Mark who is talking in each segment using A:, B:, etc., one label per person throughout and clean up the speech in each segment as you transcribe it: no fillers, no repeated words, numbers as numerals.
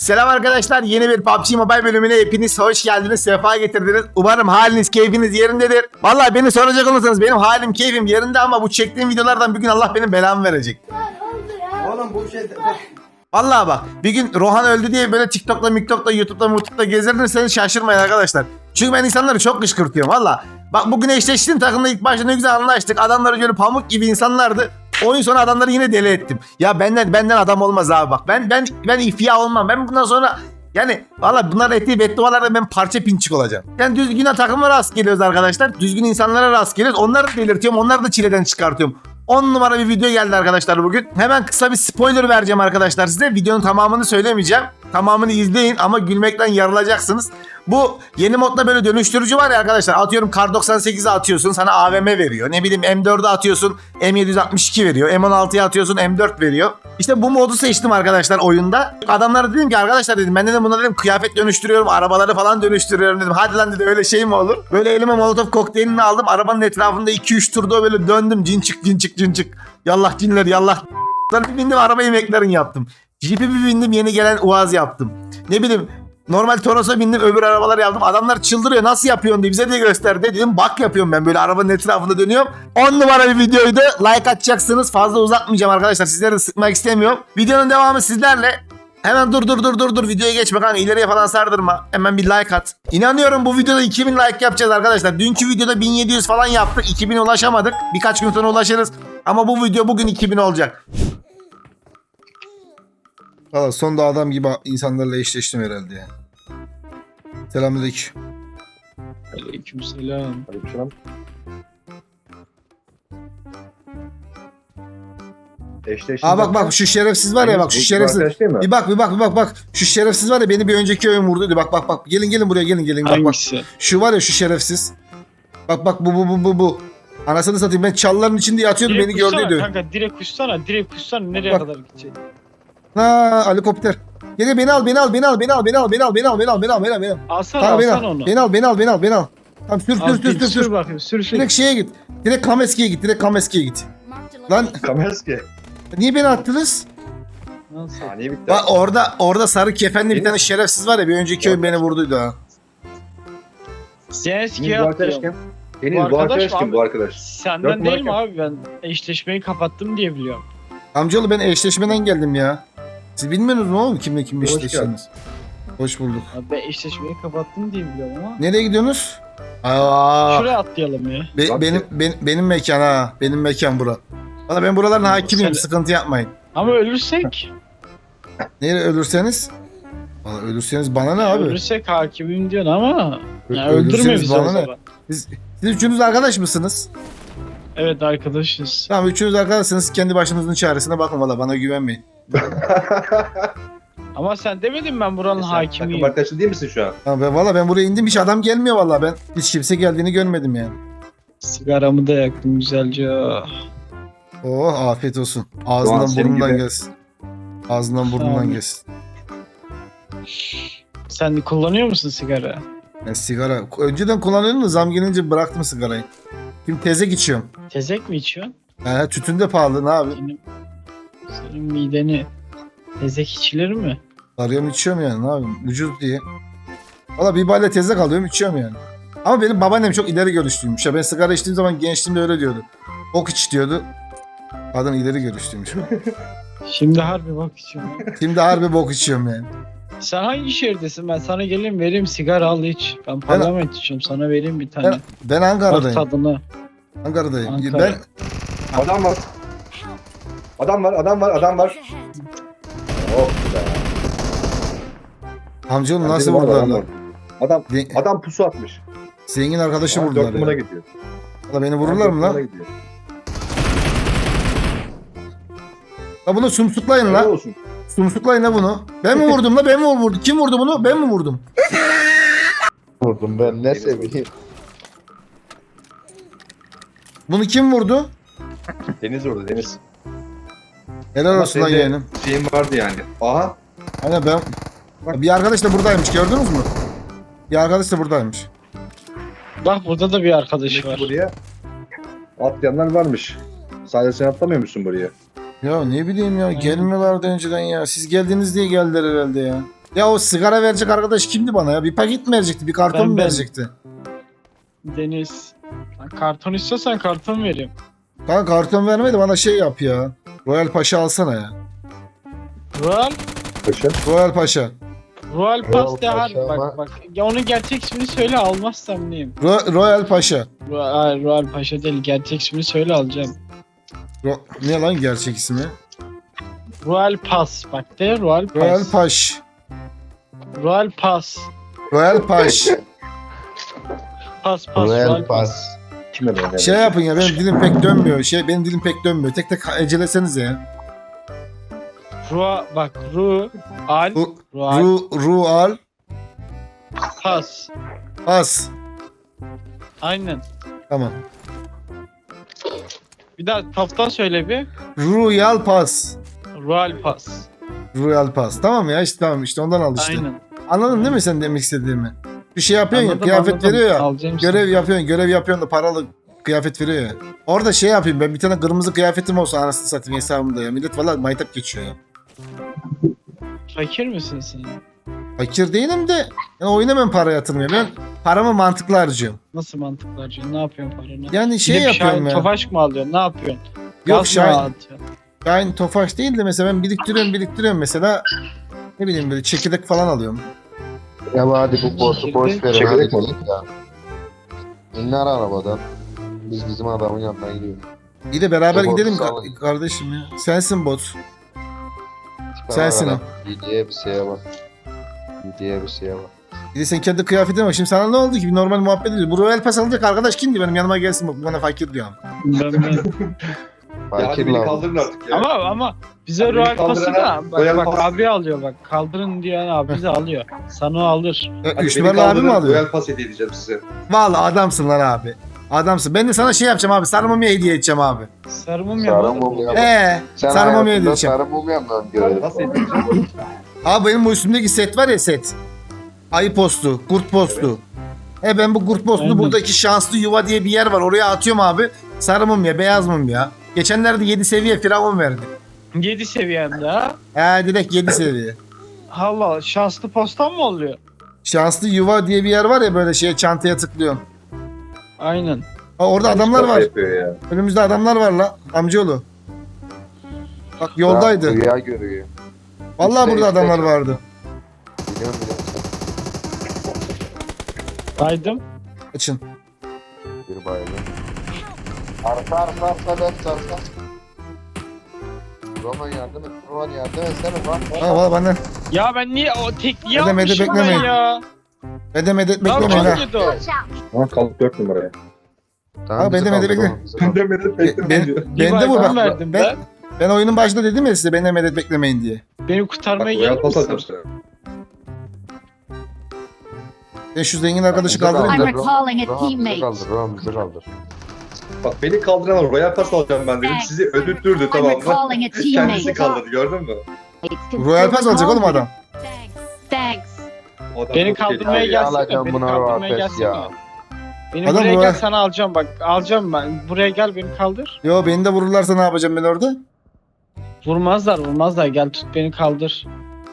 A: Selam arkadaşlar, yeni bir PUBG Mobile bölümüne hepiniz hoş geldiniz, sefa getirdiniz. Umarım haliniz, keyfiniz yerindedir. Vallahi beni soracak olursanız benim halim, keyfim yerinde ama bu çektiğim videolardan bir gün Allah benim belamı verecek.
B: Oğlum bu şey...
A: Vallahi bak, bir gün Rohan öldü diye böyle TikTok'la, MikTok'la, YouTube'da gezerdirseniz şaşırmayın arkadaşlar. Çünkü ben insanları çok kışkırtıyorum valla. Bak bugün eşleştiğim takımda ilk başta ne güzel anlaştık. Adamları böyle pamuk gibi insanlardı. Oyun sonu adamları yine deli ettim. Ya benden adam olmaz abi bak. Ben ifya olmam. Ben bundan sonra yani valla bunların ettiği beddualarda ben parça pinçik olacağım. Yani düzgün takıma rast geliyoruz arkadaşlar. Düzgün insanlara rast geliyoruz. Onları da belirtiyorum. Onları da çileden çıkartıyorum. 10 numara bir video geldi arkadaşlar bugün. Hemen kısa bir spoiler vereceğim arkadaşlar size. Videonun tamamını söylemeyeceğim. Tamamını izleyin ama gülmekten yarılacaksınız. Bu yeni modda böyle dönüştürücü var ya arkadaşlar. Atıyorum Kar 98'e atıyorsun, sana AVM veriyor. Ne bileyim M4'e atıyorsun, M762 veriyor. M16'ya atıyorsun, M4 veriyor. İşte bu modu seçtim arkadaşlar oyunda. Adamlara dedim ki arkadaşlar dedim ben dedim buna dedim kıyafet dönüştürüyorum, arabaları falan dönüştürüyorum dedim. Hadi lan dedi öyle şey mi olur? Böyle elime Molotov kokteylini aldım. Arabanın etrafında 2-3 turda böyle döndüm. Cin çık. Yallah cinler yallah. Bir bindim araba yemeklerini yaptım. Jeep'e bir bindim yeni gelen Uaz yaptım. Ne bileyim normal Toros'a bindim öbür arabalar yaptım. Adamlar çıldırıyor nasıl yapıyorsun diye bize de gösterdi. Dedim bak yapıyorum ben böyle arabanın etrafında dönüyorum. 10 numara bir videoydu. Like atacaksınız. Fazla uzatmayacağım arkadaşlar. Sizleri de sıkmak istemiyorum. Videonun devamı sizlerle. Hemen dur videoya geçme kanka ileriye falan sardırma. Hemen bir like at. İnanıyorum bu videoda 2000 like yapacağız arkadaşlar. Dünkü videoda 1700 falan yaptık. 2000'e ulaşamadık. Birkaç gün sonra ulaşırız. Ama bu video bugün 2000 olacak. Valla sonunda adam gibi insanlarla eşleştim herhalde ya. Selamünaleyküm.
C: Aleykümselam.
B: Aleykümselam. Eşleştim.
A: Aa bak şu şerefsiz var ya bak şu şerefsiz. Bir bak. Şu şerefsiz var ya beni bir önceki oyun vurduydu. Bak. Gelin buraya gelin. Bak.
C: Hangisi?
A: Şu var ya şu şerefsiz. Bak bu. Anasını satayım ben çalıların içinde yatıyordum beni gördüydü.
C: Kanka direkt uçsana. Nereye
A: Bak.
C: kadar gidecek?
A: Ha helikopter. Gel beni al.
C: Alsana onu.
A: Beni al. Tamam sür.
C: Bakayım sür.
A: Direkt şeye git. Direkt Kameski'ye git. Lan
B: Kamerski.
A: niye beni attınız?
C: Nasıl?
B: Saniye bitti.
A: Bak orada sarı kefenli bir tane şerefsiz var ya bir önceki oyun beni vurduydu ha.
C: Sen
B: Deniz
C: eskiye
B: bu arkadaş
C: atıyorum.
B: kim? Deniz bu arkadaş kim
C: abi?
B: bu arkadaş?
C: Senden
B: Yok,
C: değil mi
B: bırak
C: abi ben eşleşmeyi kapattım diye biliyorum.
A: Amcaoğlu ben eşleşmeden geldim ya. Siz bilmiyorsunuz mu oğlum kimle kim
B: Hoş
A: eşleştiniz? Hoş bulduk.
C: Abi ben eşleşmeyi kapattım diye biliyorum ama.
A: Nereye gidiyorsunuz? Aa,
C: Şuraya atlayalım ya.
A: benim mekan ha. Benim mekan bura. Valla ben buraların hakimiyim
C: Sen-
A: sıkıntı yapmayın.
C: Ama ölürsek?
A: Nereye ölürseniz? Valla ölürseniz bana ne abi?
C: Ölürsek hakimim diyorsun ama. Yani
A: Ölürseniz
C: öldürme bizi
A: bana
C: o
A: ne?
C: zaman.
A: Siz üçünüz arkadaş mısınız?
C: Evet arkadaşız.
A: Tamam üçünüz arkadaşsınız kendi başınızın çaresine bakın valla bana güvenmeyin.
C: Ama sen demedin ben buranın
B: Takım
C: hakimiyim.
B: arkadaşı değil misin şu an?
A: Tamam valla ben buraya indim hiç adam gelmiyor valla ben. Hiç kimse geldiğini görmedim yani.
C: Sigaramı da yaktım güzelce.
A: Oh afiyet olsun.
B: Doğan,
A: Ağzından
B: senin
A: burnundan
B: gibi.
A: gelsin. Ağzından burnundan
C: Tamam.
A: gelsin.
C: Sen kullanıyor musun sigara?
A: Ben sigara önceden kullanıyordum da zam gelince bıraktım sigarayı. Şimdi tezek içiyorum.
C: Tezek mi içiyorsun?
A: Tütün de pahalı ne abi?
C: Senin mideni tezek içilir mi?
A: Arıyorum içiyorum yani ne yapayım ucuz diye. Valla bir balya tezek alıyorum içiyorum yani. Ama benim babaannem çok ileri görüşlüymüş ya. Ben sigara içtiğim zaman gençliğimde öyle diyordu. Ok iç diyordu. Kadın ileri görüşlüymüş.
C: Şimdi harbi bak içiyorum.
A: Şimdi harbi bok içiyorum yani.
C: Sen hangi şehirdesin? Ben sana geleyim vereyim sigara al iç. Ben parlament içiyorum sana vereyim bir tane.
A: Ben
C: Bak
A: Ankara'dayım.
C: tadına.
A: Ankara'dayım.
C: Ankara.
A: Ben
B: Adam var. Oh be.
A: amcanın
B: Bence
A: nasıl
B: de var,
A: vurdular
B: adam
A: lan?
B: var. Adam pusu atmış.
A: Zengin arkadaşı
B: Dört
A: vurdular
B: numara
A: ya.
B: gidiyor.
A: Valla beni vururlar mı
B: Dört
A: lan?
B: numara gidiyor.
A: La bunu sumsuklayın
B: Helal
A: la.
B: olsun.
A: Sumsuklayın la bunu. Ben mi vurdum la? Ben mi vurdum? Kim vurdu bunu? Ben mi vurdum?
D: Vurdum ben ne seveyim.
A: Bunu kim vurdu?
B: Deniz orada Deniz.
A: Helal
B: Ama
A: olsun lan
B: senin de
A: yeğenim.
B: Şeyin vardı yani. Aha.
A: Hani ben... Bir arkadaş da buradaymış gördünüz mü? Bir arkadaş da buradaymış.
C: Bak burada da bir arkadaş
B: Demek
C: var.
B: ki buraya atlayanlar varmış. Sadece sen atlamıyor musun buraya?
A: Ya ne bileyim ya gelmiyorlardı önceden ya. Siz geldiniz diye geldiler herhalde ya. Ya o sigara verecek arkadaş kimdi bana ya? Bir paket mi verecekti? Bir karton mu
C: Ben.
A: verecekti?
C: Deniz. Lan karton istiyorsan karton vereyim.
A: Kanka karton vermedi bana şey yap ya. Royal Paşa alsana ya.
C: Royal.
B: Paşa.
A: Royal Paşa.
C: Royal Pass de
D: Paşa
C: harbi
D: ama-
C: bak bak. Ya onun gerçek ismini söyle almazsam neyim?
A: Royal Paşa.
C: Royal Paşa değil gerçek ismini söyle alacağım.
A: Ne lan gerçek ismi?
C: Royal Pass bak de Royal Pass.
A: Royal Paş.
C: Royal Pass.
A: Royal Paş.
C: Pass
D: Royal Pass.
B: Kime böyle?
A: Şey yapın ya benim dilim pek dönmüyor. Benim dilim pek dönmüyor. Tek tek ecelesenize ya.
C: Bak Royal
A: Royal
C: Pass.
A: Pass.
C: Aynen.
A: Tamam.
C: Bir daha toptan söyle bir.
A: Royal Pass.
C: Royal Pass.
A: Royal Pass. Tamam ya işte tamam işte ondan al işte.
C: Aynen.
A: Anladın değil mi sen demek istediğimi? Bir şey yapıyorsun
C: Anladım,
A: ya kıyafet
C: anladım.
A: veriyor ya.
C: Alacağım
A: Görev yapıyorsun da paralı kıyafet veriyor ya. Orada şey yapayım ben bir tane kırmızı kıyafetim olsa anasını satayım hesabımda ya. Millet valla maytap geçiyor ya.
C: Fakir misin sen?
A: Fakir değilim de yani oyuna ben para yatırmıyorum. Ben paramı mantıklı harcıyorum.
C: Nasıl mantıklı harcıyorsun? Ne yapıyorsun paranı?
A: Yani şey
C: Gidip
A: yapıyorum
C: Şahin
A: ya.
C: Tofaş mı alıyorsun? Ne yapıyorsun?
A: Yok
C: Gaz mı
A: Şahin,
C: atıyorsun?
A: Şahin Tofaş değil de mesela ben biriktiriyorum mesela. Ne bileyim böyle çekirdek falan alıyorum.
D: Ya hadi bu botu boş verin hadi
B: Çekirdek mi?
D: gidelim ya. İnler arabadan. Biz bizim adamın yanına gidiyoruz.
A: İyi de beraber
D: Botu
A: gidelim
D: salın.
A: kardeşim ya. Sensin bot.
D: Tipe
A: Sensin
D: bak hele. Gidiye bir şeye bak. Gidiye bir şeye bak.
A: Bir de sen kendi kıyafetine bak. Şimdi sana ne oldu ki? Bir normal muhabbet ediyoruz. Bu Royal Pass alacak arkadaş kimdi? Benim yanıma gelsin bak. Bana fakir diyor.
C: Ben.
B: Ya hadi
D: Fakir
B: beni
D: lan.
B: kaldırın artık ya.
C: Ama bize
B: Hadi
C: Royal
B: beni
C: Pass'ı
B: kaldırana
C: da
B: Royal
C: bak
B: Pass.
C: abi alıyor bak. Kaldırın diyen abi de alıyor. Sana o alır.
B: Hadi
A: 3
B: beni
A: numaralı abi mi
B: kaldırın,
A: alıyor?
B: Royal Pass hediye edeceğim size.
A: Vallahi adamsın lan abi. Adamsın. Ben de sana şey yapacağım abi. Sarı mumya hediye edeceğim abi.
C: Sarımım
D: Sarı
C: ya.
D: mum ya.
A: Sen sarı mumya hediye edeceğim.
D: Sarı mum yandan görelim.
B: Nasıl edeceğim?
A: Abi benim bu üstümdeki set var ya set. Ayı postu, kurt postu. Ben bu kurt postunu
C: Aynen.
A: buradaki şanslı yuva diye bir yer var. Oraya atıyorum abi. Sarı mumya, beyaz mumya. Geçenlerde 7 seviye firavun verdi.
C: 7 seviyende ha.
A: Direkt 7 seviye.
C: Allah şanslı postan mı oluyor?
A: Şanslı yuva diye bir yer var ya böyle şeye çantaya tıklıyorsun.
C: Aynen.
A: Orada adamlar
B: Şaka
A: var.
B: yapıyor ya.
A: Önümüzde adamlar var la amcaoğlu. Bak yoldaydı.
D: Rüya görüyor.
A: Vallahi burada
D: İşte.
A: adamlar vardı.
D: Biliyorum.
C: Baydım.
A: Açın.
D: Bir bayılır. Arka arka. Roman yardım et. Roman yardım etsene bak.
A: Ha valla benden.
C: Ya ben niye o tekliği
A: Edemedi,
C: almışım ben
A: beklemeyin.
C: ya?
A: Edemedet
C: Ya
A: beklemeyin ha.
C: çok kötü o.
B: Ama kaldık 4 numaraya.
D: Tamam,
A: Abi,
D: bizi
A: edemedi,
D: kaldır
A: bekle.
D: oğlum, bizi kaldır.
B: Demedim
A: Ben
C: Bir
A: de bu
C: bayram
A: bak.
C: verdim
A: Ben, ben oyunun başında dedim ya size beni emedet beklemeyin diye.
C: Beni kurtarmaya
B: Royal
C: gelir
B: Pass
C: misin?
B: alacağım sana.
A: Ben şu zengin arkadaşı
D: Bizi
A: kaldırayım
D: kaldır,
A: da.
E: I'm recalling a
D: Roman bizi
E: teammate.
D: kaldır, Roman bizi kaldır.
B: Bak beni kaldıran Royal Pass alacağım ben dedim. Sizi ödüttürdü
E: I'm
B: tamam mı?
E: recalling a
B: Kendisi
E: teammate.
B: kaldırdı gördün mü?
A: Royal Pass alacak oğlum adam.
E: Thanks.
B: O adam
C: Beni
B: çok
C: kaldırmaya
B: tehlikeli.
C: gelsene.
D: Alacağım
C: Beni
D: buna
C: kaldırmaya
D: Royal Pass ya.
C: gelsene. Beni
A: Adam
C: buraya
A: Royal-
C: gel sana alacağım bak. Alacağım ben. Buraya gel beni kaldır.
A: Yo beni de vururlarsa ne yapacağım ben orada?
C: Vurmazlar. Gel tut beni kaldır.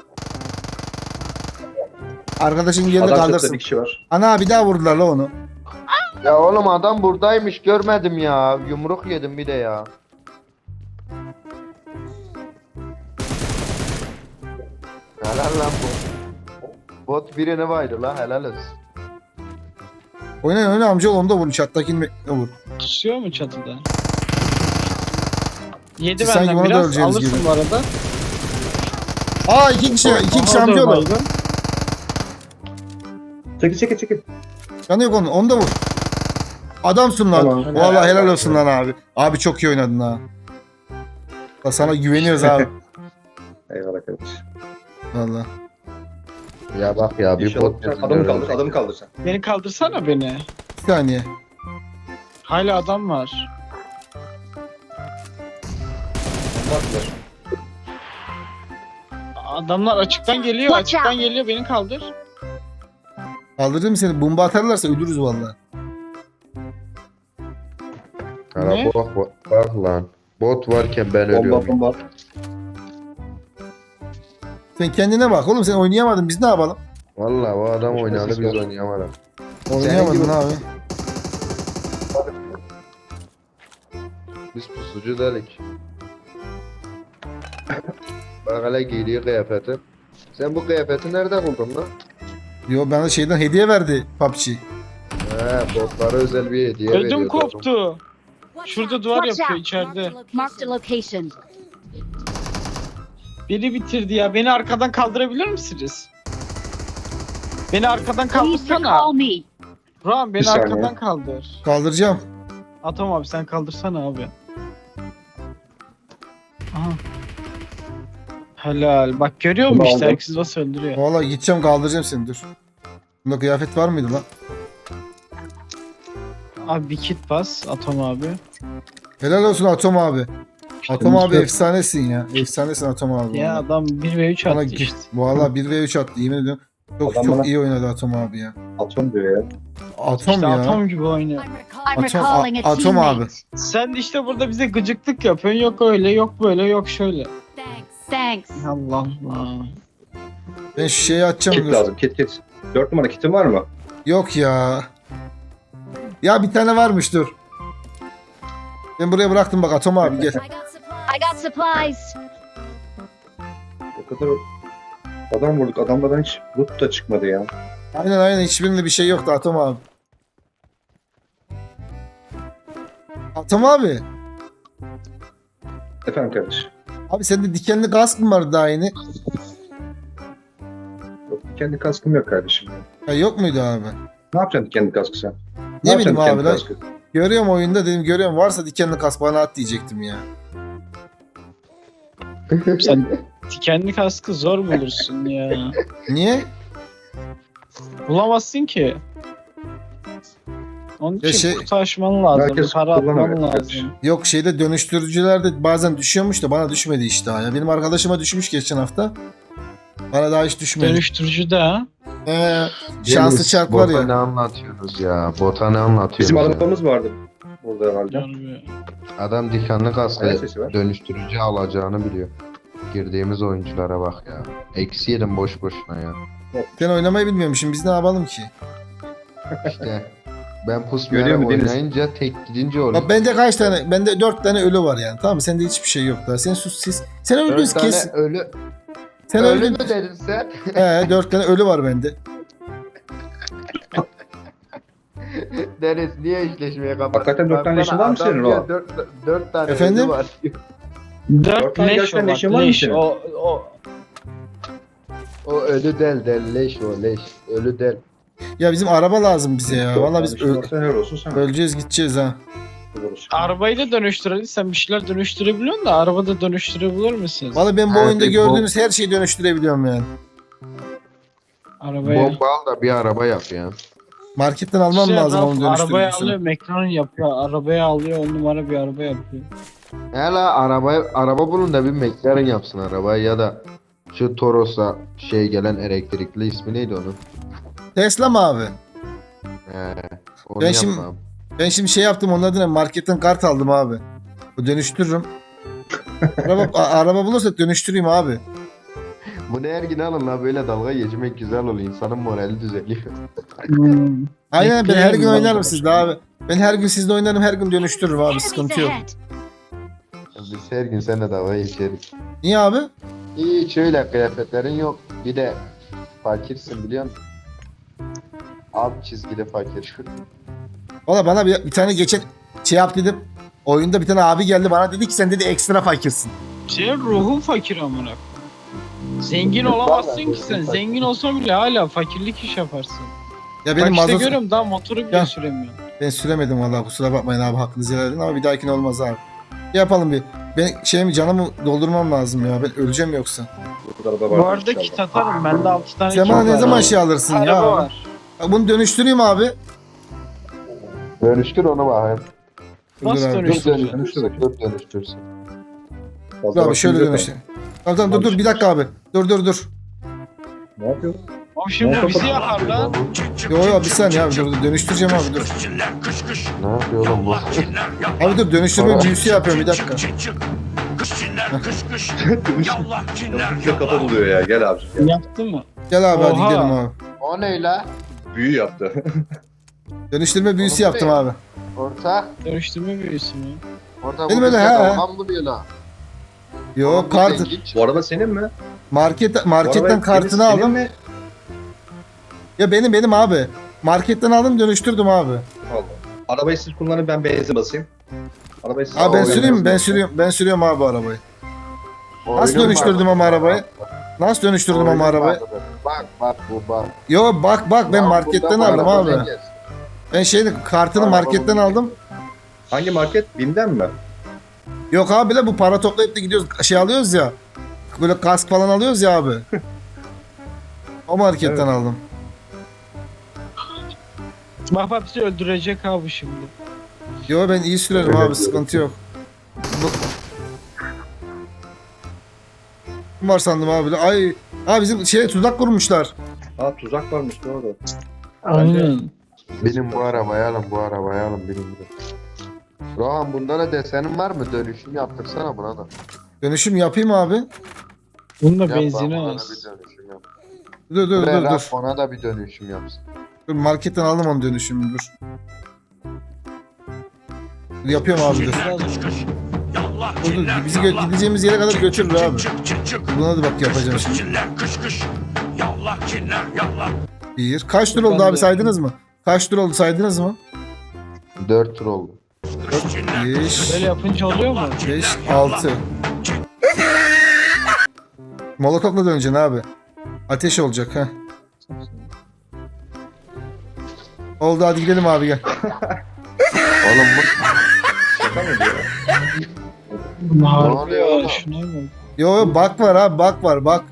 A: Arkadaşın yerini
B: Adam çatıda
A: kaldırsın.
B: bir kişi var.
A: Ana bir daha vurdular la onu.
D: Ya oğlum adam buradaymış görmedim ya. Yumruk yedim bir de ya. Helal lan bu. Bot birine baydı la helal olsun.
A: Oyna amca onu da vur. Çattakini vur.
C: Kusuyor mu çatıda? Yedi
A: Siz sanki
C: benden
A: bana da
C: biraz.
A: öleceğiniz
C: Alırsın
A: gibi.
C: bu arada.
A: İki kişi
C: Aha,
A: amca
C: dur
A: oğlu.
C: baygın.
B: Çekil.
A: Canı yok onu da vur. Adamsın lan.
B: Tamam.
A: Vallahi helal olsun lan abi. Abi çok iyi oynadın ha. Ya sana güveniyoruz abi.
B: Eyvallah kardeşim.
A: Vallahi.
D: Ya bak ya bir
B: İnşallah
D: bot
B: adamı kaldır sen.
C: Beni kaldırsana beni.
A: Bir saniye.
C: Hala adam var.
B: Baklar.
C: Adamlar açıktan geliyor.
E: Watch
C: Açıktan
E: out.
C: geliyor. Beni kaldır.
A: Kaldırırım seni. Bomba atarlarsa ölürüz vallahi.
C: Ne?
D: Bak lan. Bot varken ben ölüyorum.
B: Bomba.
A: Sen kendine bak oğlum, sen oynayamadın, biz ne yapalım?
D: Valla o adam
B: Başka
D: oynadı
B: ses
D: biz
B: var.
D: oynayamadık.
A: Oynayamadın
D: gibi-
A: abi.
D: Biz pusucu dedik. Bak hele giydiği kıyafeti. Sen bu kıyafeti nerede buldun lan?
A: Yo, bana şeyden hediye verdi PUBG.
D: He, botlara özel bir hediye veriyordu.
C: Ödüm koptu. Şurada duvar
E: Watch
C: yapıyor
E: out.
C: içeride.
E: Marked a location.
C: Biri bitirdi ya. Beni arkadan kaldırabilir misiniz? Beni arkadan
E: Please
C: kaldırsana.
E: recall me.
C: Ram beni
B: Bir saniye.
C: arkadan kaldır.
A: Kaldıracağım.
C: Atom abi sen kaldırsana abi. Aha. Helal. Bak görüyor musun
B: Bunu
C: işte
B: aldım.
C: herkes nasıl öldürüyor.
A: Vallahi gideceğim, kaldıracağım seni, dur. Bunda kıyafet var mıydı lan?
C: Abi bir kit bas Atom abi.
A: Helal olsun Atom abi. Atom
B: Temiz
A: abi
B: yok.
A: efsanesin ya. Efsanesin Atom abi.
C: Ya
A: vallahi.
C: adam 1 ve 3
A: Bana
C: attı işte.
A: Valla 1v3 attı, yemin ediyorum. Çok
B: Adam
A: çok
B: bana-
A: iyi oynadı Atom abi ya.
B: Atom diyor ya.
A: Atom
C: İşte
A: ya.
C: Atom gibi oynuyor.
E: I'm
A: Atom-
E: recalling a
A: Atom abi.
E: teammate.
C: Sen de işte burada bize gıcıklık yapıyorsun. Yok öyle, yok böyle, yok şöyle.
E: Thanks.
C: Allah Allah.
A: Ben şu şeyi atacağım,
B: Kit
A: dur.
B: lazım, kit. 4 numara kitin var mı?
A: Yok ya. Ya bir tane varmış, dur. Ben buraya bıraktım bak Atom abi, gel.
E: I got supplies.
B: O kadar adam vurduk. Adamlardan hiç loot da çıkmadı ya.
A: Aynen hiçbirinde bir şey yoktu Atom abi. Atom abi.
B: Efendim kardeş.
A: Abi sende dikenli kask mı vardı daha yeni?
B: Yok, kendi kaskım yok kardeşim. Ya.
A: Ya yok muydu abi?
B: Ne yapacaksın kendi kaskı sen?
A: Ne
B: yapacaksın
A: bileyim abi
B: kendi
A: lan.
B: kaskı?
A: Görüyorum oyunda, dedim görüyorum, varsa dikenli kask bana at diyecektim ya.
C: Sen dikenli kaskı zor bulursun ya.
A: Niye?
C: Bulamazsın ki. Onun için
A: Ya şey-
C: kutu açman lazım.
B: Herkes
C: Para atman
B: kullanamıyor.
C: lazım.
A: Yok, şeyde dönüştürücülerde bazen düşüyormuş da bana düşmedi işte ya. Benim arkadaşıma düşmüş geçen hafta. Bana daha hiç düşmedi.
C: Dönüştürücü de ha.
A: Şanslı
D: Deniz,
A: çark var
D: Bota ne
A: ya.
D: anlatıyorsunuz ya? Bota ne anlatıyorsunuz
B: Bizim
D: ya?
B: arabamız vardı. Burada herhalde.
C: Yani
D: Adam dikenli
B: Ayak
D: kaskı
B: sesi var.
D: dönüştürücü alacağını biliyor. Girdiğimiz oyunculara bak ya. Eksi yedim boş boşuna ya.
A: Ben oynamayı bilmiyormuşum. Biz ne yapalım ki?
D: İşte ben
B: Görüyor
D: pusmayarak
B: mu Deniz?
D: oynayınca tek gidince oluyor.
A: Bak bende kaç tane? Bende 4 tane ölü var yani. Tamam mı? Sende hiçbir şey yok daha. Sen sus siz. Sen öldün
D: 4 tane
A: kes.
D: ölü.
A: Sen
D: Ölü
A: öldün.
D: mü dedin sen?
A: 4 tane ölü var bende.
D: Deniz niye işleşmeye kapattın?
B: Hakikaten 4 tane
D: Baksana,
B: işin var mı
D: adam
B: senin
D: diyor,
B: o?
D: 4 tane
A: Efendim?
D: ölü var.
C: 4
B: tane
C: leş
B: gerçekten
C: o bak,
B: leşin var mı
C: leş.
B: senin?
C: O
D: O ölü del leş o leş. Ölü del.
A: Ya bizim araba lazım bize ya. Vallahi biz
B: Helal olsun sana.
A: öleceğiz gideceğiz ha.
C: arabayı da dönüştürelim. Sen bir şeyler dönüştürebiliyorsun da arabada dönüştürebilir misiniz?
A: Vallahi ben bu
D: Evet,
A: oyunda
D: bu-
A: gördüğünüz her şeyi dönüştürebiliyorum yani.
C: Arabaya.
D: Bomba al da bir araba yap ya.
A: Marketten almam
C: Şey,
A: lazım
C: Ralf
A: onun
C: arabaya
A: dönüştürücüsünü.
C: alıyor, McLaren yapıyor. Arabaya alıyor, 10 numara bir araba yapıyor.
D: Hala araba bulun da bir McLaren yapsın arabayı ya da şu Toros'a şey gelen elektrikli ismi neydi onun?
A: Tesla mı abi?
D: Onu
A: Ben şimdi-
D: yapmam.
A: Ben şimdi şey yaptım, onun adına marketten kart aldım abi. O dönüştürürüm. araba bulursak dönüştüreyim abi.
D: Bu ne Ergin alın la böyle dalga geçmek güzel oluyor. İnsanın morali düzeliyor.
A: Aynen, ben her gün
C: Bekleyelim
A: oynarım
C: abi.
A: sizde abi. Ben her gün sizde oynarım, her gün dönüştürürüm abi,
E: Enemies
A: sıkıntı yok.
E: ahead.
D: Biz her gün seninle dalga geçeriz.
A: Niye abi?
D: İyi şöyle kıyafetlerin yok. Bir de fakirsin biliyor musun? Alt çizgili fakir.
A: Valla bana bir tane geçen şey yap dedim. Oyunda bir tane abi geldi bana, dedi ki sen dedi ekstra fakirsin.
C: Senin ruhun fakir amına. Zengin olamazsın ki sen. Zengin olsan bile hala fakirlik iş yaparsın.
A: Ya
C: Benim
A: benim
C: Bak işte
A: mazot...
C: görüyorum daha motoru bile
A: Ya.
C: süremiyorum.
A: Ben süremedim valla, kusura bakmayın abi, hakkınızı helal edin ama bir dahakine olmaz abi. Şey yapalım bir. Ben canımı doldurmam lazım ya, ben öleceğim yoksa.
B: Burada araba var.
C: Bu arada kit atarım. Bende 6 tane
A: Sen
C: kit
A: bana ne
C: var.
A: zaman şey alırsın
C: Araba
A: ya?
C: var.
A: Bak bunu dönüştüreyim abi.
D: Dönüştür onu bakayım.
C: Nasıl
A: Dur abi,
C: dönüştüreceksin?
D: Dur dönüştürsün.
A: Dur abi şöyle dönüştür. Tamam dur bir dakika abi. Dur.
B: Ne yapıyor?
C: Oğlum şimdi
B: Ne
C: bizi yakar lan.
A: Yo bir saniye abi, dur dönüştüreceğim abi, dur.
D: Ne yapıyor oğlum bu?
A: Abi dur, dönüştürme büyüsü yapıyorum, bir dakika.
B: Dönüşünce kafa buluyor ya. Gel abicim. Gel.
C: Yaptı mı?
A: Gel abi hadi
C: Oha.
A: gidelim abi.
D: O ne la?
B: Büyü yaptı.
A: Dönüştürme büyüsü
D: Oğlum,
A: yaptım
D: ne?
A: abi.
D: Ortak.
C: Dönüştürme büyüsü mü?
D: Orada
A: Benim
D: bu
A: öyle,
D: bize
A: he.
D: dalgan buluyor la.
A: Yok
D: Bu
A: kart
D: zengin.
B: Bu araba senin mi?
A: marketten kartını
B: senin
A: aldım.
B: mi?
A: Ya benim abi. Marketten aldım dönüştürdüm abi.
B: Allah. Arabayı siz kullanın, ben benzin basayım. Arabayı siz
A: Abi ben
B: kullanın,
A: süreyim mi? Ben
B: benzin
A: sürüyorum. Ben sürüyorum abi arabayı. Nasıl
D: Oyunun
A: dönüştürdüm
D: var.
A: ama arabayı? Nasıl dönüştürdüm
D: Oyunun
A: ama arabayı?
D: vardır. Bak bu bak.
A: Yo bak ben
D: Ya
A: marketten
D: burada
A: aldım
D: bu
A: abi.
D: araba zengin.
A: Ben kartını
D: Araba
A: marketten
D: bu.
A: aldım.
B: Hangi market? BİM'den mi?
A: Yok abi de bu para toplayıp da gidiyoruz şey alıyoruz ya. Böyle kask falan alıyoruz ya abi. O marketten
B: Evet.
A: aldım.
C: Bak bak bizi öldürecek abi şimdi.
A: Yo ben iyi sürerim abi sıkıntı yok. Kim var sandım abi. Ay bizim tuzak kurmuşlar.
B: Aa, tuzak varmış doğru.
C: Aynen.
D: Benim bu arabayı alın, bu arabayı alın benim de. Rohan bunda da desenin var mı? Dönüşüm yaptırsana buna da.
A: Dönüşüm yapayım abi.
C: Bunda
D: Yap
C: benzini
D: lan, bana da
C: az.
D: bir dönüşüm yap.
A: Dur
D: Dur. Ona da bir dönüşüm yapsın.
A: Dur marketten aldım onu dönüşümü dur. Dur, yapıyorum abi dur. Dur bizi gideceğimiz yere kadar götürür abi. Buna da bak yapacağım şimdi. Bir. Kaç tur oldu
C: Ben
A: abi
C: de
A: saydınız mı? Kaç tur oldu saydınız mı?
D: 4 tur oldu.
A: 5,
C: Böyle yapınca oluyor mu?
A: 5, 6. Molotofla döneceksin abi. Ateş olacak ha. Oldu hadi gidelim abi gel.
D: Oğlum bu
B: Şaka mı diyor?
C: Harbi
D: oluyor
C: ya
D: oğlum?
C: şuna bak.
A: Yo bak var abi bak var bak.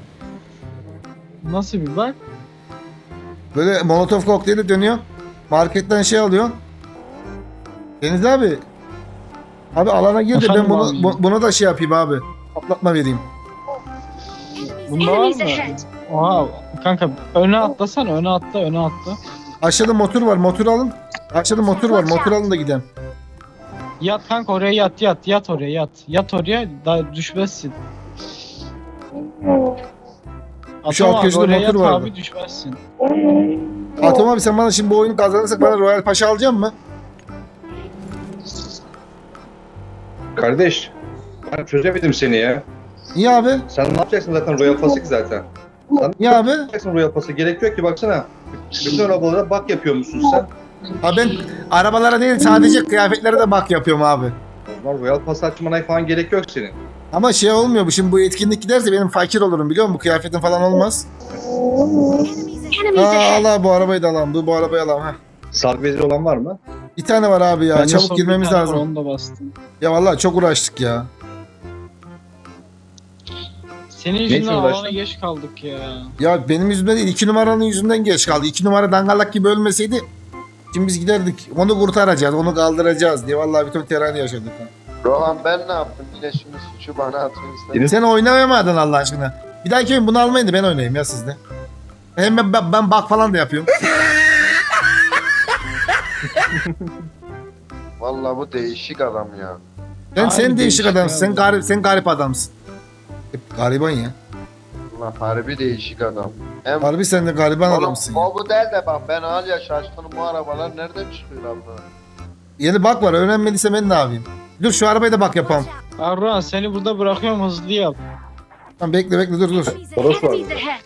C: Nasıl bir bak?
A: Böyle molotof kokteyli dönüyor. Marketten şey alıyor. Deniz abi. Abi alana gir de ben
C: Efendim abi?
A: buna da şey yapayım abi. Patlatma vereyim.
C: Bunda var
E: Enemies
C: mı?
E: ahead.
C: Oha kanka öne atlasana öne atla.
A: Aşağıda motor var motor alın. Aşağıda motor var motor alın da gidelim.
C: Yat kanka oraya yat oraya yat. Yat oraya da düşmezsin.
A: Şu
C: Atom
A: alt
C: abi
A: köşede
C: oraya
A: motor
C: yat
A: vardı.
C: abi düşmezsin.
A: Atom abi sen bana şimdi bu oyunu kazanırsak bana Royal Paşa alacak mı?
B: Kardeş, ben çözemedim seni ya.
A: Niye abi?
B: Sen ne yapacaksın zaten Royal Pass'ı ki zaten? Sen
A: Niye abi?
B: ne yapacaksın Royal Pass'ı? Gerek yok ki baksana. Bütün arabalara bak yapıyormuşsun sen.
A: Abi ben arabalara değil sadece kıyafetlere de bak yapıyorum abi.
B: O zaman Royal Pass açmana falan gerek yok senin.
A: Ama şey olmuyor bu şimdi bu etkinlik giderse benim fakir olurum biliyor musun? Bu kıyafetin falan olmaz.
E: Enemies ahead.
A: Allah bu arabayı da alalım. Bu arabayı alalım. Heh.
B: Sargı bezi olan var mı?
A: Bir tane var abi ya.
C: Ben de
A: Çabuk
C: son
A: girmemiz
C: bir tane
A: lazım.
C: var, onu da bastım.
A: Ya vallahi çok uğraştık ya.
C: Senin yüzünden
B: için
C: alana
B: uğraştın?
C: geç kaldık ya.
A: Ya benim yüzümden değil 2 numaranın yüzünden geç kaldı. 2 numara dangalak gibi ölmeseydi şimdi biz giderdik. Onu kurtaracağız, onu kaldıracağız diye vallahi bütün terani yaşadık. Ha.
D: Rohan ben ne yaptım? Yine şimdi suçu bana atın istedim.
B: Deniz-
A: Sen oynayamadın Allah aşkına. Bir dahaki oyun bunu almayın da ben oynayayım ya sizde. Hem ben bak falan da yapıyorum.
D: Vallahi bu değişik adam ya.
A: Sen
C: Harbi
A: değişik
C: değişik
A: adamsın.
C: ya.
A: Sen garip adamsın. Hep gariban ya.
D: Allah harbi değişik adam. Hem
A: Harbi sen de gariban
D: Oğlum,
A: adamsın ya.
D: o bu değil de bak ben hala şaşkınım bu arabalar nereden çıkıyor abla?
A: Yeni bak var öğrenmediyse ben ne yapayım? Dur şu arabayı da bak yapalım.
C: Arran seni burada bırakıyorum hızlı yap.
A: Tamam bekle dur.
B: Toros var
E: Enemies
B: burada.
E: ahead.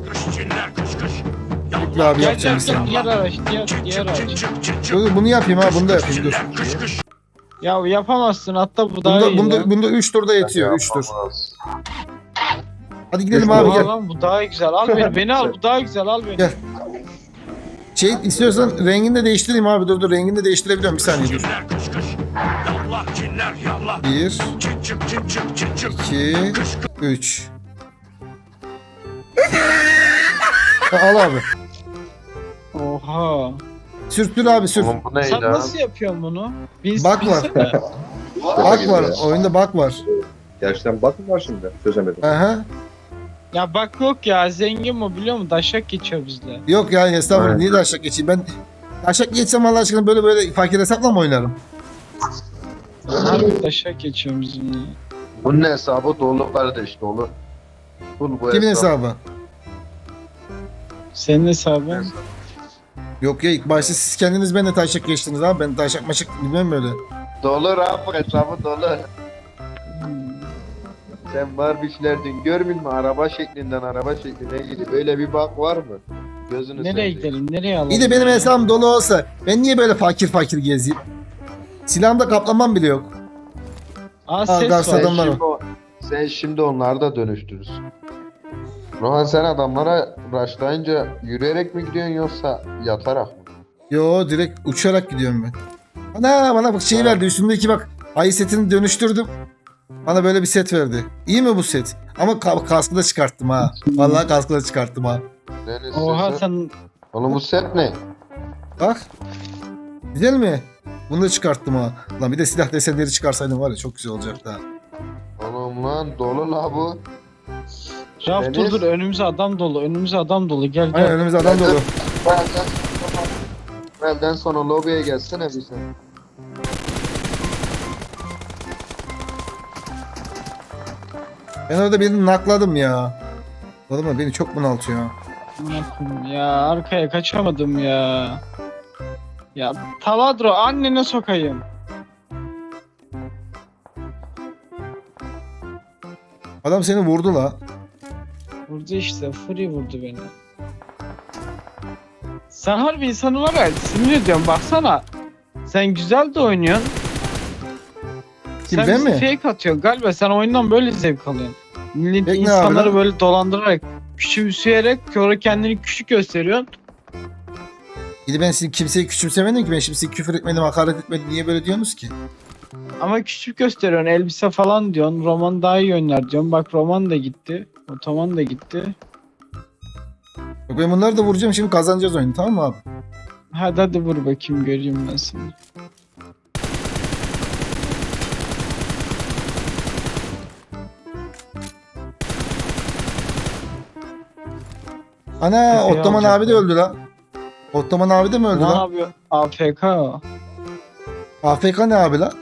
A: Bekle abi
C: Gel
A: yapacağım bir saniye.
C: diğer araç diğer araç.
A: Dur bunu yapayım ha bunu da yapayım dur.
C: Ya yapamazsın hatta bu daha iyi.
A: Bunda 3 turda yetiyor 3 tur.
D: Yapamaz.
A: Hadi gidelim
B: Üç
A: abi
B: tur.
A: gel.
C: Lan bu daha güzel. Al beni al bu daha güzel al beni.
A: Gel. Şey istiyorsan rengini de değiştireyim abi dur rengini de değiştirebiliyorum bir saniye dur. 1 2 3 Al abi.
C: Oha.
A: Sür abi sür.
D: Oğlum bu neydi
C: Sen
D: ha?
C: nasıl yapıyorsun bunu?
A: Bak var.
C: bilsene.
A: Bak var. Oyunda bak var.
B: Gerçekten bak mı var şimdi? Çözemedim.
A: Aha.
C: Ya bak yok ya zengin mi biliyor musun? Daşak geçiyor bizle.
A: Yok ya estağfurullah
D: Evet.
A: niye de aşağı geçeyim ben aşağı geçsem Allah aşkına böyle fakir hesapla mı oynarım?
C: Harbi daşak geçiyor bizimle.
D: Bunun hesabı dolu kardeş dolu. Bu
A: Kimin hesabı?
C: Senin hesabın.
A: Yok ya ilk başta siz kendiniz benimle taşak geçtiniz abi. Ben taşak maşak bilmem böyle.
D: Dolu Rafa hesabı dolu. Sen var bir şeyler dün görmedin mi? Araba şeklinden araba şekline gidiyor. Böyle bir bak var mı? Gözünü
C: Nereye
D: seveyim.
C: gidelim? Nereye alalım?
A: İyi de benim hesabım dolu olsa ben niye böyle fakir fakir gezeyim? Silahımda kaplamam bile yok.
C: Aa ses
A: Gaz
C: var.
A: adamlar var.
D: Sen şimdi onları da dönüştürürsün. Rohan sen adamlara rushlayınca yürüyerek mi gidiyorsun yoksa yatarak mı?
A: Yo direkt uçarak gidiyorum ben. Bana bak şey verdi üstümdeki bak ayı setini dönüştürdüm. Bana böyle bir set verdi. İyi mi bu set? Ama kaskı da çıkarttım ha. Vallahi kaskı da çıkarttım ha.
D: Deniz
C: Oha
D: sesi-
C: sen
D: Oğlum bu set ne?
A: Bak. Güzel mi? Bunu da çıkarttım ha. Lan bir de silah desenleri çıkarsaydım var ya çok güzel olacaktı ha.
D: Oğlum lan dolu la bu.
C: Raf
D: Deniz.
C: dur önümüze adam dolu. Önümüze adam dolu. Gel
A: Aynen
C: gel.
A: önümüzde adam dolu.
D: Benden sonra lobiye gelsene bir sen.
A: Ben orada birini nakladım ya. Oğlum beni çok bunaltıyor.
C: Ya arkaya kaçamadım ya. Ya Taladro annene sokayım.
A: Adam seni vurdu la.
C: Vurdu işte. Free vurdu beni. Sen harbi insanı var ya sinir ediyorsun baksana. Sen güzel de oynuyorsun.
A: Kim,
C: Sen
A: ben
C: bizi
A: mi?
C: fake atıyorsun galiba sen oyundan böyle zevk alıyorsun. Millet
A: Fake ne
C: insanları
A: abi lan?
C: böyle dolandırarak küçümseyerek sonra kendini küçük gösteriyorsun.
A: Bir de ben sizin kimseyi küçümsemedim ki. Ben şimdi size küfür etmedim, hakaret etmedim. Niye böyle diyorsunuz ki?
C: Ama küçük gösteriyorsun elbise falan diyorsun. Roman daha iyi oynar diyorsun. Bak Roman da gitti. Otoman da gitti.
A: Yok ben bunları da vuracağım şimdi kazanacağız oyunu tamam mı abi?
C: Hadi vur bakayım göreyim ben seni.
A: Ana
C: Tepeye
A: Ottoman abi de
C: alacaklar.
A: öldü lan. Ottoman abi de mi öldü
C: Ne
A: lan?
C: yapıyor? AFK o.
A: AFK ne abi lan?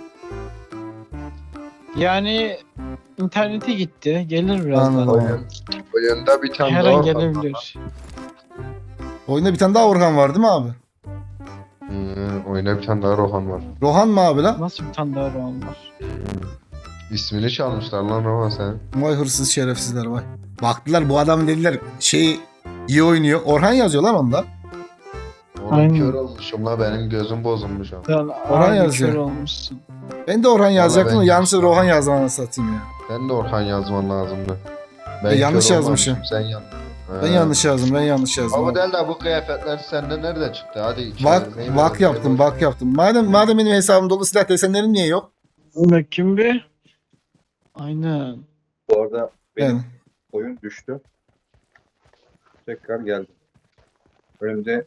C: Yani internete gitti. Gelir birazdan.
A: Anladım.
D: Oyunda bir tane
C: Her
D: daha
C: an
D: var.
C: gelebilir.
A: Oyunda bir tane daha Orhan var değil mi abi?
D: Oyunda bir tane daha Rohan var.
A: Rohan mı abi lan?
C: Nasıl bir tane daha roman var?
D: İsmini çalmışlar lan Rohan sen.
A: Vay hırsız şerefsizler vay. Baktılar bu adam dediler şey iyi oynuyor. Orhan yazıyor lan onda.
D: Oğlum
C: Aynen.
D: kör olmuşum la benim gözüm bozulmuş ama.
C: Sen
A: Orhan
C: harbi
A: yazıyor.
C: kör olmuşsun.
A: Ben de Orhan yazacaktım da
D: ben-
A: yanlışlıkla Rohan yazdım anasını satayım ya.
D: Ben de Orhan yazman lazımdı.
A: yanlış
D: kör
A: yazmışım.
D: olmamışım, Sen yanlış.
A: Ben yanlış yazdım ben yanlış yazdım.
D: Ama
A: abi.
D: del de bu kıyafetler sende nerede çıktı? Hadi
A: Bak
D: çevirmeyi
A: bak
D: ver.
A: yaptım bak yaptım. Madem benim hesabım dolu silah desenlerim niye yok?
C: Bakayım bir. Aynen.
B: Bu arada benim
A: Yani.
B: oyun düştü. Tekrar geldim. Önümde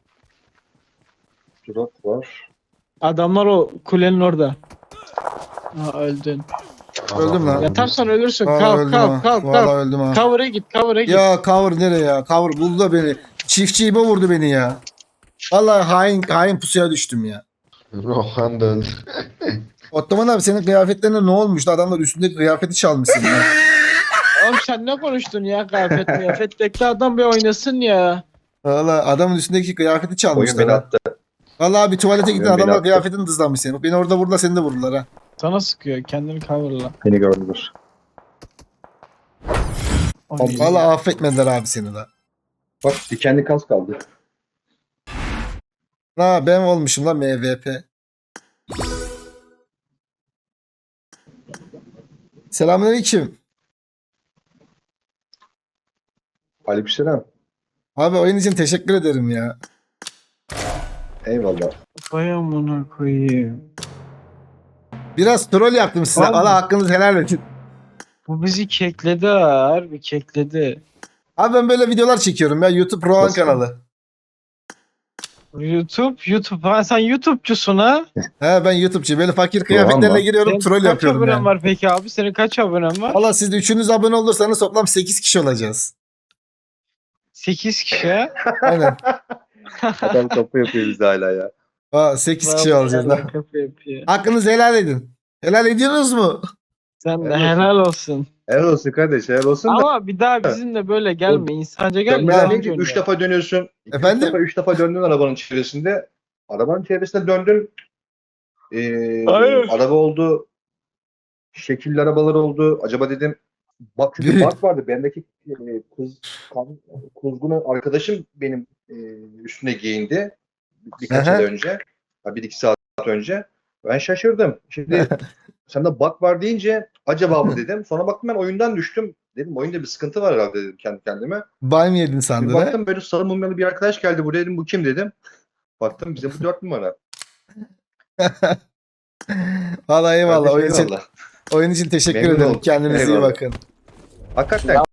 B: drop var.
C: Adamlar o kulenin orada. Ha öldün.
A: Öldüm lan.
C: Yatarsan ölürsün.
A: Aa,
C: Kalk
A: öldüm
C: kalk
A: ha.
C: kalk
A: Vallahi
C: kalk.
A: öldüm ha.
C: Cover'a git cover'a git.
A: Ya cover nereye ya? Cover buldu da beni. Çiftçiğime vurdu beni ya. Vallahi hain pusuya düştüm ya.
D: Rohan da öldü.
A: Ottoman abi senin kıyafetlerine ne olmuş? Adamlar üstündeki kıyafeti çalmışsın ya.
C: Oğlum sen ne konuştun ya kıyafet bekle adam bir oynasın ya.
A: Vallahi adamın üstündeki kıyafeti
B: Oyun
A: çalmışlar.
B: beni
A: ha.
B: attı.
A: Vallahi bir tuvalete gittin
B: Oyun beni
A: adamlar
B: attı.
A: kıyafetini dızlamış seni. Bak beni orada vurdular seni de vurdular ha.
C: Sana sıkıyor kendini cover'la.
B: Beni gördüler.
C: Oy.
A: Vallahi affetmediler abi seni la.
B: Bak dikenli kas kaldı.
A: Ha ben olmuşum lan MVP. Selamünaleyküm.
B: Aleykümselam.
A: Abi oyun için teşekkür ederim ya.
B: Eyvallah.
C: Vay amına koyayım.
A: Biraz troll yaptım size.
C: Abi.
A: Allah hakkınızı helal edin.
C: Bu bizi kekledi ha, harbi kekledi.
A: Abi ben böyle videolar çekiyorum ya. YouTube Rohan
B: Nasıl?
A: kanalı.
C: YouTube. Ha sen YouTube'cusun ha?
A: He ben YouTube'cu. Böyle fakir kıyafetlerle
B: mı?
A: giriyorum
C: Senin
A: troll
C: kaç
A: yapıyorum
C: abonen
A: yani.
C: var peki abi? Senin kaç abonen var?
A: Valla siz de üçünüz abone olursanız toplam 8 kişi olacağız.
C: 8 kişi ha?
A: Aynen.
B: Adam kapı yapıyor bize hala ya.
A: Aa, 8 kişi olacağız lan.
C: Kapı yapıyor.
A: Hakkınızı helal edin. Helal ediyorsunuz mu?
C: Sen de
B: Helal olsun.
C: helal olsun.
B: Helal olsun kardeş, helal olsun da.
C: Ama bir daha bizimle böyle gelme. İnsanca gelme.
B: Dönmeden
C: insanca
B: önce 3
C: oyna.
B: defa dönüyorsun.
A: Efendim?
B: 3 defa döndün arabanın çevresinde. Arabanın çevresinde döndün.
C: Hayır.
B: Araba oldu. Şekilli arabalar oldu. Acaba dedim bak çünkü
A: Büyük.
B: bak vardı. Bendeki kuzgunu arkadaşım benim üstüne giyindi. Birkaç
A: Aha.
B: ay önce. 1-2 saat önce. Ben şaşırdım. Şimdi sende bak var deyince acaba mı dedim. Sonra baktım ben oyundan düştüm. Dedim oyunda bir sıkıntı var herhalde dedim kendi kendime.
A: Ban mı yedin
B: Bir
A: sandın ha?
B: baktım böyle sarı mumyalı bir arkadaş geldi buraya dedim bu kim dedim. Baktım bize bu 4 numara.
A: Valla eyvallah.
B: Kardeşim, eyvallah.
A: Oyun için teşekkür
B: Memnun
A: ederim.
B: oldum.
A: Kendinize iyi
B: Eyvallah.
A: bakın.
B: Hakikaten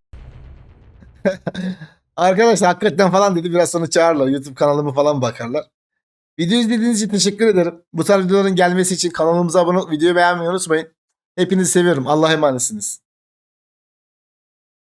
A: Arkadaşlar hakikaten falan dedi. Biraz sonra çağırırlar. YouTube kanalımı falan bakarlar. Video izlediğiniz için teşekkür ederim. Bu tarz videoların gelmesi için kanalımıza abone olup videoyu beğenmeyi unutmayın. Hepinizi seviyorum. Allah'a emanetsiniz.